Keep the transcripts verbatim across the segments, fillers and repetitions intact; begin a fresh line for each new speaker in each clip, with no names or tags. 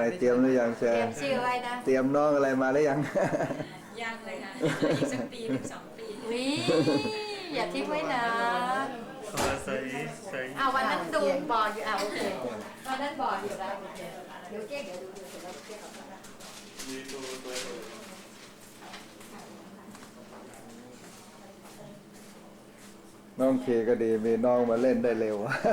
เตรียมหรือยังแชร์
เตรียมชื่อไว้นะ
เตรียมน้องอะไรมาหรือยัง
ยังเลยค่ะอีกสักปีถึงสองปี
วิอย่าทิ้งไว้นะ
ใส่ใส่
อ้าววันนั้นดูบอกอยู่อ้าวโอเควันนั้นบอกอยู่แล้วโอเคเดี๋ยวเจ๊เดี๋ยวดูดูเสร็จแล้วเจ๊ขอบคุณนะ
มีตัวตัว
น้องเคก็ดีมีน้องมาเล่นได้เร็ว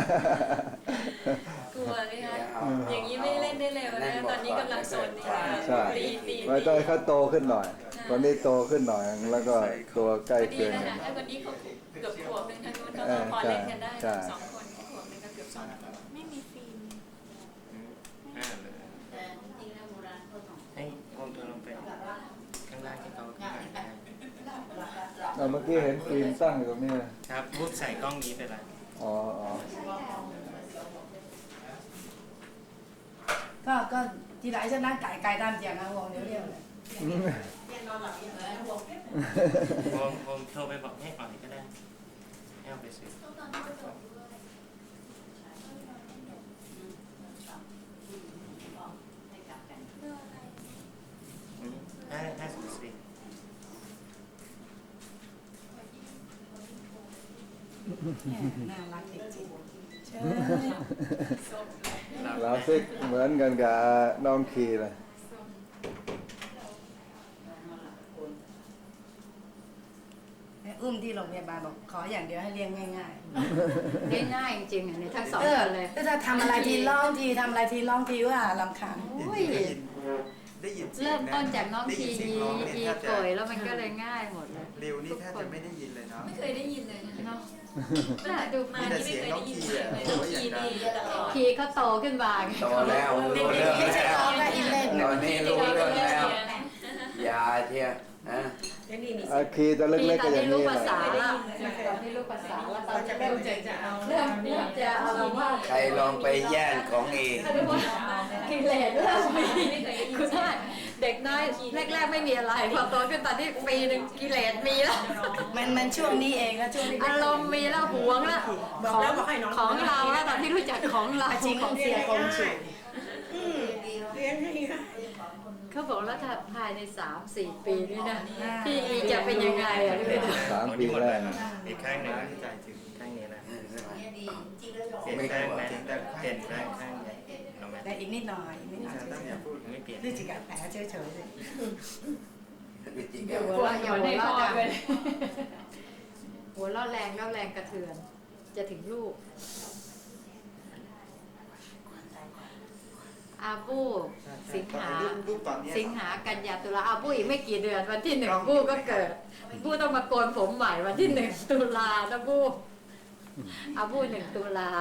กลัวไหมคะอย่างนี้ไม่เล่นได้เร็วนะตอนนี้กำลังโซนนี่
ใช่
ตีตี
ไว้ต้องให้เขาโตขึ้นหน่อยตอนนี้โตขึ้นหน่อยแล้วก็ตัวใกล้เคียงกัน
ถ้าคนนี้เขาเกือบขวบหนึ่งทางนู้นเขาพอเล่นกันได้สองคนขวบหนึ่งก็เกือบสองขวบไม่มีฟิล์ม
อ่าเลยให้มองตัวลงไปข้างล่างที่เขาข้างล่าง
เมื่อกี้เห็นฟิล์มตั้งอยู่ตรงนี้
ครับรูปใส่กล้องนี้ไปละ
อ๋ออ๋อ
ก็ก็ทีไรฉันนั่งไก่ไก่ตามเสียงนะวงเดียวเดียวเลย
วงวงโทรไปบอกให้อ่อนก็ได้ให้เอาไปซื้อห้าห้าสิบสี่
น่ารักจริงๆเชิญ
เราซิกเหมือนกันกับน้องคีเลย
อุ้มที่โรงพยาบาลบอกขออย่างเดียวให้เลี้ยงง่าย
ง่ายง่ายจริงๆอันนี้ทั้งสองคนเลย
ถ้าทำอะไรทีร้องทีทำอะไรทีร้องทีว่าลำคาญ
เริ่มต้นจากน้องทีอีอีป่วยแล้วมันก็เลยง่ายหมดเลย
เร็วนี่แทบจะไม่ได้ยินเลยเนาะ
ไม่เคยได้ยินเลยเนาะ
น่าดู
มาที่ไม่เคยได้ยินเลยทีนี่
ทีเขาโตขึ้นมา
โตแล้วรู้เรื่องแล้วตอนนี้รู้เรื่องแล้วอย่าเที่ยนะ
คีตอนเล็กๆก็อย่างนี้แหละ
ตอนนี้ลูกภาษาละตอนนี้ลูกภาษาแล้วตอนจะเริ่มจะเอาเริ่มจะเอาว่า
ใครลองไปแย่งของเอง
กิเลสเริ่มมีคุณท่านเด็กน้อยแรกๆไม่มีอะไรพอโตขึ้นตอนที่ปีหนึ่งกิเลสมีแล้ว
มันมันช่วงนี้เองนะช่วงนี้
อารมณ์มีแล้วหวงแล้วของของเราแล้วตอนที่รู้จักของเรา
จริงของเสียกองฉิ
เลี้ยงให้เขาบอกว่าถ้าภายในสามสี่ปีนี่นะพี่อีจะเป็นยังไงอ่ะพี่
สามปีแรก
อีกข้างหนึ่งใจถึงข้างนี้นะเปลี่ยนข้างนะเปลี่ยนข้างข้างนี้เอาไหม
ได้อีกนิดหน่อยอีกนิดหน่อย
ไม่เปลี่ยน
นี่จิกแผลเฉยเฉยเลย
หัวเราะอย่าหัวเราะดังหัวเราะแรงแล้วแรงกระเทือนจะถึงลูกอาบูสิงหาสิงหากันยาตุลาอาบูอีกไม่กี่เดือนวันที่หนึ่งบูก็เกิดบูต้องมาโกนผมใหม่วันที่หนึ่งตุลานะบูอาบูหนึ่งตุลา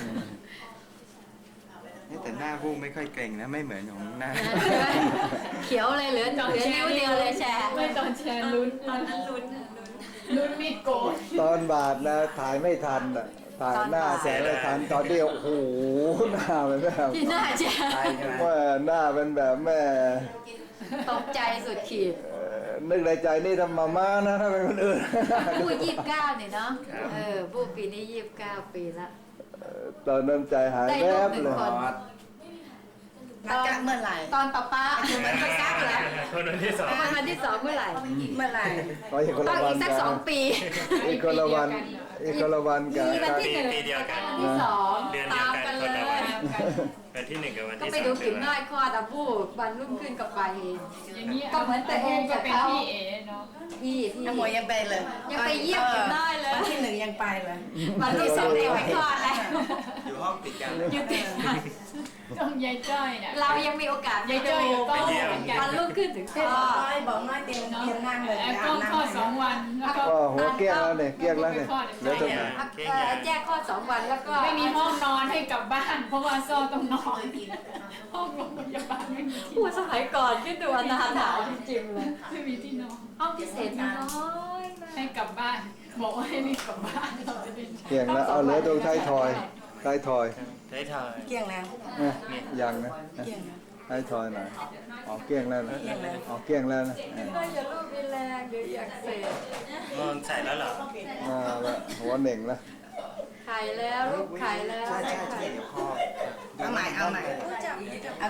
แต่หน้าบูไม่ค่อยเก่งนะไม่เหมือนของหน้า
เขียวเลยเหลือเหลือนิ้วเดียวเลยแชร์
ไม่ตอนแชร์ลุ้นตอนนั้นลุ้นลุ้นมีดโกน
ตอนบาดนะถ่ายไม่ทันอ่ะถ่ายหน้าแสงไม่ทันตอนเดียวโอ้โหหน้าเป็นแบบ
ที่หน้าแชร์
ว่าหน้าเป็นแบบแม่
ตกใจสุดขีด
นึกในใจนี่ทำมาม่านะถ้าเป็นคนอื่น
บูยี่สิบเก้าเนี่ยเนาะเออบูปีนี้ยี่สิบเก้าปีละ
ตอนนั้นใจหายแวบเลย
นักเมื่อไหร่
ตอนป้าป้ามันก็กักแล้ว
คนที่สอง
วันที่สองเมื่อไหร่
เมื่อไหร่
ต้องอี
กสักสองปี
อีกคนละวันอีกคนละวันกัน
วันที่หนึ่ง
ปีเดียวกัน
ที่สอง
ตาม
กันเลย
วันที่หนึ่งกับวันที่สอง
ก็ไปดูกิ่งน้อยคอตะพูวันรุ่งขึ้นกับไปเองก็เหมือนแต่เองกับเขา
พี่เอ๋เนาะ
พี่พี่
น้ำหมวยยังไปเลย
ยังไปเยี่ยมกิ่งน้อยเลย
วันที่หนึ่งยังไปเลย
วันที่สองเองไปคลอดแล้ว
อยู่ห้องติดกัน
อยู่ติดกัน
ต้องยายจ้อยเนี่ย
เรายังมีโอกาส
ยายจ้อยอยู่ก็
วันรุ่งขึ้นถึงคลอด
บอกน้อยเตียงเตียงนั่งเลย
ก็คลอดสองวันแล้วก็
หัวเกี้ยงแล้วเนี่ยเกี้ยงแล้วเนี่ยแล้วตรงไหน
แจ้งคลอดสองวันแล้วก็
ไม่มีห้องนอนให้กลับบ้านเพราะว่าซ่อต้องนอนห้องโรงพยาบาลไม่มีที่
ผู้สมัยก่อนคิดดูอนาถาจริงๆเลย
ไม่มีที่นอน
ห้องพิเศษน้อย
ให้กลับบ้านบอกว่าให้รีบกลับบ้านเราจะได้
เกี้ยงแล้วเอาเหลือตรงท้ายทอยท้ายทอย
ท้ายทอย
เกี้ยงแล้ว
ยังนะ
เกี้ยงนะ
ท้ายทอยหน่อยออกเกี้ยงแล้วนะออกเกี้ยงแล้วนะ
ก็อย่าลูกมีแรงเดี๋ยวอยากเสพ
มันใส่แล้วเหรอ
มาละหัวเหน่งละ
ไข่แล้วลูกไข่แล้ว
ใช่ใช่ใช่เดี๋ยวคอ
เอาใหม่เอาใหม่เอา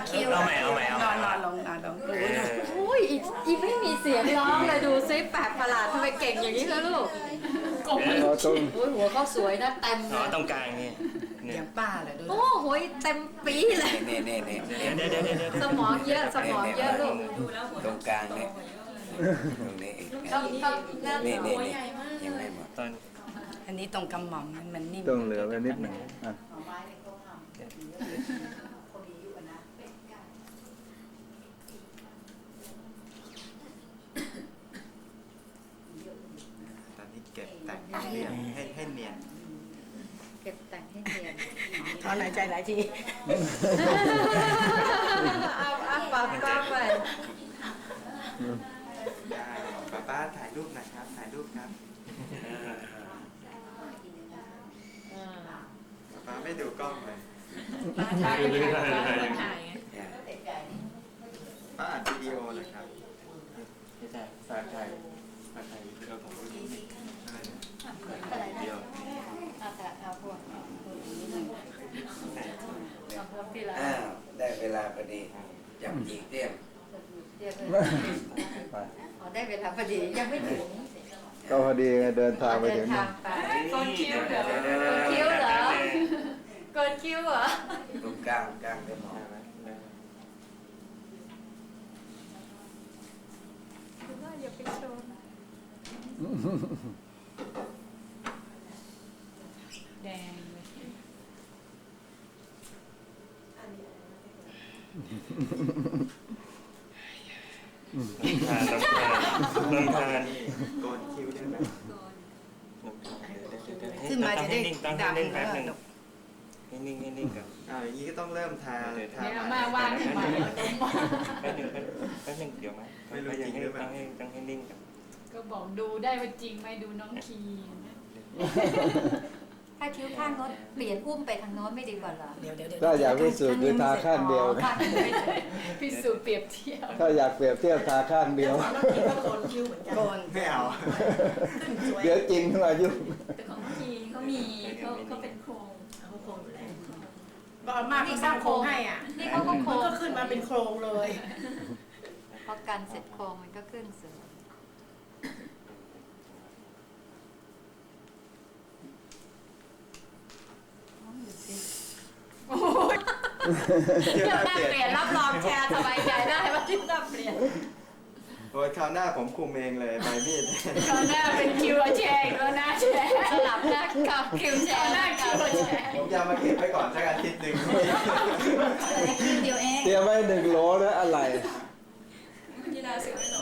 คิว
เอาใหม่เอาใหม่เอาให
น
ม่
อนนอนลงนอนลง
เออ
อุ้ยอีอีไม่มีเสียงร้องเลยดูซิแปลกประหลาดทำไมเก่งอย่างนี้คะลูก
เราต้อง
โอ้ยหัวเขาสวยนะเต็มเล
อ๋อย ตรงกลางนี่เนี่
อย ย่างป้าเลยดู
โอ้โหเต็มปีเลย
นี่นี่นี่
เดี๋ยวเดี๋ยวเดี๋ยวเดี๋ยว
สมองเยอะสมองเยอะลูก
ดูแล้วหัว
ตรงกลางเนี่ยตรงนี้อีก
ต้องต้องนั่น
นี่
เหร
นี่
อ
นี่ยังไม่หมด
ตอน
อันนี้ตรงกำหม่อมมันมันนิ่ม
ต้องเหลือไว้นิดหนึ่งอ่ะ
ตอนนี้เก็บแต่งให้เนียนให้ให้เนียน
เก็บแต่งให้เนียน
ถอนหายใจหลายที
เอาเอาปากกล้องไป
ได้ป้าป้าถ่ายรูปหน่อยครับ ถ่ายรูปครับป้าป้าไม่ดูกล้องเลย
ถ่ายถ่ายไง
ป้าอัดวิดีโอเลยครับ
พี่ชายฝากถ่ายฝากถ่ายวิดีโอของรุ่นนี้
อะไรนะ
อะไร
เดียว
เอาแต่เอาพวกเอาพวกที่เรา
อ้าวได้เวลาพอดีจับจีเตี้ยม
เรียก
ไป
อ๋อได้เวลาพอดียังไม่ถึง
ก็พอดีไงเดินทางไป
เดิ
ถึ
น
ง
ทางไป
ต้นคิ้วเดี๋ยว
คิ้วเหรอเกินคิ้วเหรอ
ตรงกลางกลางได้หมด
คือว่าอย่าไปโชว์แดงเลย
ทานน้ำทานน้ำทาน
โกนคิ้วได้ไหม
ขึ้นมาจะได้
ตั้งให้
ดำ
นิ่งแป๊บ
แล้
นึง
ว
ให้นิ่งให้นิ่งก่อน
อ้าวอย่างนี้ก็ต้องเริ่มทาทา
เนี่ย
ให
มาว่างขึ้นมา
แป๊บนึงแป๊บนึงเดี๋ยวไหมยังให้ตั้งให้ตั้งให้นิ่งก่อน
ก็บอกดูได้ว่าจริงไหมดูน้องคีนะ
ถ้าคิ้วข้างโน้นเปลี่ยนอุ้มไปทางโน้นไม่ดีกว่าเหรอ
เดี๋ยวเดี๋ยวเดี๋ยว
ถ้าอยากพิสูจน์คือทาข้างเดียว
อ๋อ
นะ
ข้างเดียว
พิสูจน์เปรียบเทียบ
ถ้าอยากเปรียบเทียบทาข้างเดียว
โกน
ไม่เอา
เดี๋ยวจริงขึ้นมายุ่ง
แต่ของคีเขามีเขาเขาเป็นโครง
บอลมากเขาสร้างโครงให้อ่ะ
นี่เขาก็โคร
มัน
ง
ก็ขึ้นมาเป็นโครงเลย
พอกันเสร็จโครงมันก็ขึ้นสวย
เที่ยว
เที่ยว
หน้า
หน้า
เปลี่ยน
เปลี่ยนรับรองแชร์สบายใจได้ว่าเที่ยวหน้าเปลี่ยน
โอ้ยคราวหน้าผมคุมเองเลยใบมีด
ตอนหน้าเป็นคิวแชร์แล้วหน้าแชร์
สลับหน้ากับคิวแชร์หน้าคิวแชร์
ผมจะเอามาเก็บไว้ก่อนสักอาทิตย์หนึ่ง
คิวเดียวเอง
เตรียมไว้หนึ่งโหลนะอะไร
กีฬาเสือไม่หนอน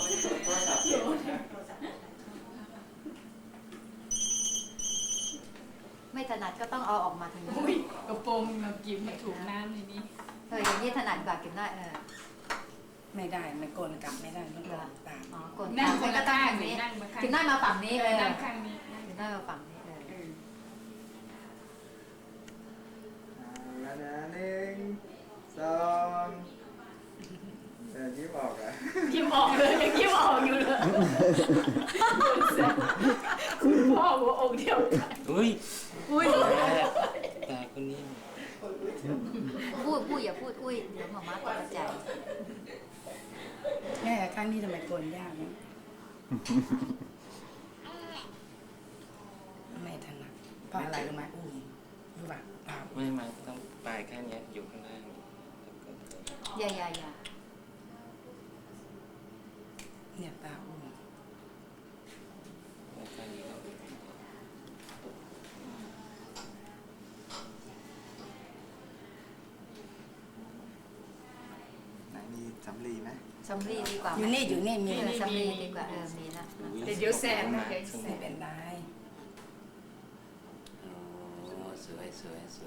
ไม่ถนัดก็ต้องเอาออกมาทางนี้
อุ้ยกระโปรงแบบกิ้มถูกน้ำในนี้
เอออย่างนี้ถนัดกว่ากินได้เออ
ไม่ได้มันโกนกลับไม่ได้มันโกนตาม
อ๋อกด
นั่งคน
ก็
ละ
ตั้ง
ข้าง
อย่างนี้
นั่งมาข้าง
กินได้มาฝั่งนี้เออ
นั่งข้างนี้
กินได้มาฝั่งนี้เออ
เอาแล้วนะหนึ่งสองเออยิ้มออกอ่ะ
ยิ้มออกเลยยังยิ้มออกอยู่เลยคุณพ่อหัวอกเดียวกัน
อุ้ย
อุ้ย
ตาคนนี้
พูดพูดอย่าพูดอุ้ยเดี๋ยวหมอมาตกใจ
แม่ข้างนี้ทำไมโกนยากนะไม่ถนัดเพราะอะไรรู้ไหมอุ้ยรู้ป่ะเปล่า
ไม่มาต้องปลายแค่นี้อยู่ข้างล่าง
อย่าอย่าอย่า
เนี่ยตาอุ้ม
แล้วก็นี้
ไหนมีสำลีไหม
สำลีดีกว่า
อยู่นี่อยู่นี่มี
เออสำลีดีกว่าเออมีนะ
เดี๋ยวแสบนะเดี๋ยวแส
ไม่
บ
เป็นไร
โอ้สวยสวยสวย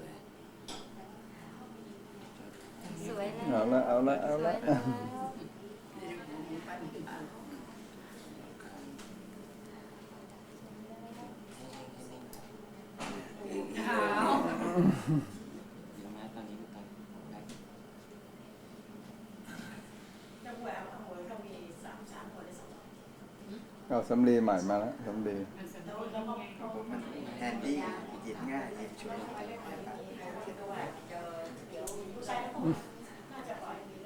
สวยเลย
เอาละเอาละเอาละ
สวยแล้ว
ขาว
มาตอนนี้ตอน
เอาสำลีใหม่มาแล้วสำลี
ผมมันแฮนดี้หยิบง่ายหยิบช่วย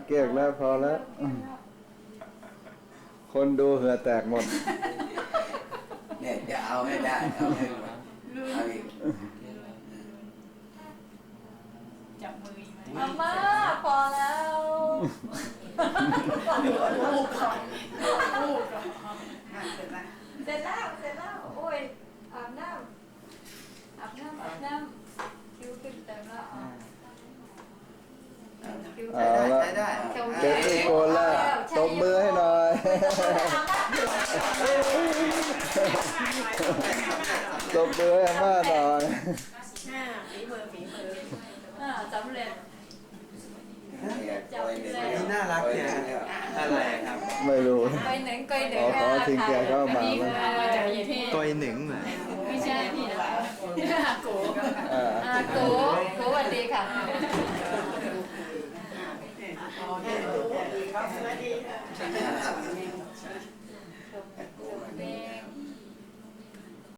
เก๊กแล้วพอแล้วคนดูเหือแตกหมด
เนี่ยจะเอาให้ได้เอาให้หมดเอาอีก
จับมืออีกไหม
มาม่าพอแล้ว
ลูกก่อนลูกก่อนอ่ะเสร็จละ
เสร็จแล้วเสร็จแล้วโอ้ยอาบน้ำอาบน้ำอาบน้ำคิ้วขึ้นเต็มแล้วอ่ะคิ้ว
เอา
เต็ม
ละ
ใช้ได้
เจ็บที่โกนแล้วตบมือให้หน่อยตบมือให้อาม่าหน่อย
อ่าฝีมือฝีมือ
อ่าสำเร็จ
นี่น่ารักเนี่ยอะไรครับ
ไม่รู้
ไปหนึ่งไปหนึ่ง
ขอขอทิ้งแกเข้ามา
อันนี้
ไหม
คือมาจากที่
ตัวหนึ่งเหรอ
ไม่ใช่พี่นะอาโก
อ่า
อาโกโกสวัสดีค่ะ
โอเคสวัสดีครับสวัสดี